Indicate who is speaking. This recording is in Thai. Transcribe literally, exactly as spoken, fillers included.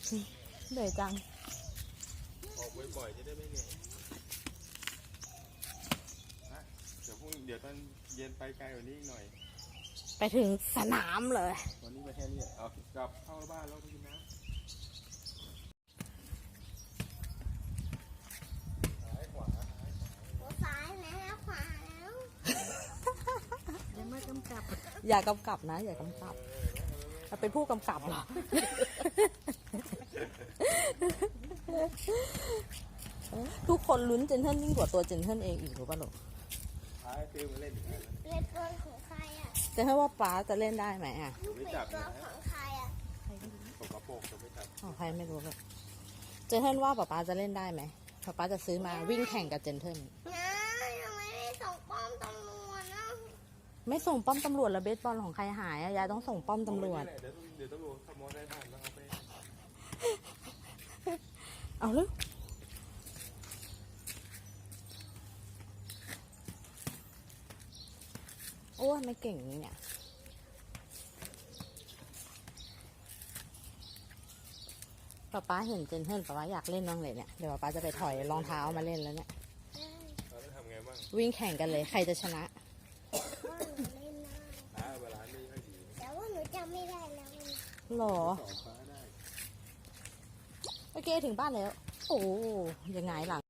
Speaker 1: เหนื่อยจัง
Speaker 2: ออกบ่อยๆจะได้ไม่เหนื่อยนะเดี๋ยวพรุ่งเดี๋ยวตอนเย็นไปไกลกว่านี้หน่อย
Speaker 1: ไปถึงสนามเลย
Speaker 2: วันนี้มาแค่นี้เอากลับเข้าบ้านแล้วไปกินน้ำซ้ายขวา
Speaker 3: ซ้ายแล้วขวาแล้วยังไม่กำกับ
Speaker 1: อย่ากำกับนะอย่ากำกับเราเป็นผู้กำกับเหรอทุกคนลุ้นเจนเทิลยิ่งกว่าตัวเจนเทิลเองอีกหรือเปล่าลูก
Speaker 2: ท้ายฟิลมาเล่นอีกแล้ว
Speaker 3: เล่นตัวของใครอ่ะ
Speaker 1: เจนเทิลว่าป้าจะเล่นได้ไหมอ่ะ
Speaker 2: ไม่จับ
Speaker 3: ตัวของใครอ่ะ
Speaker 2: ตกกระโปรงจะไม่จับ
Speaker 1: ของใครไม่รู้เลยเจนเทิลว่าป้าป้าจะเล่นได้ไหมป้าป้าจะซื้อมาวิ่งแข่งกับเจนเทิล
Speaker 3: นะยังไม่ได้ส่งป้อมตำรวจนะ
Speaker 1: ไม่ส่งป้อมตำรวจแล้วเบสบอลของใครหายอะยายต้องส่งป้อมตำรวจ
Speaker 2: เดี๋ยวเดี๋ยวตำรวจขโมยได้ทันแล้วเอาไป
Speaker 1: เอาเลยโอ้ยไม่เก่งนี่เนี่ยป๊าป๊าเห็นเจนเทิลป๊าป๊าอยากเล่นบ้างเลยเนี่ยเดี๋ยวป๊าป๊าจะไปถอยรองเท้ามาเล่นแล้วเนี่ย
Speaker 2: เราต้องทำไงบ้าง
Speaker 1: วิ่งแข่งกันเลยใครจะชนะ
Speaker 2: เวลาไม่ค่อยดี
Speaker 3: แต่ว่าหนูจำไม่ได้แล้ว
Speaker 1: หรอโอเคถึงบ้านแล้วโอ้ยังไงหลัง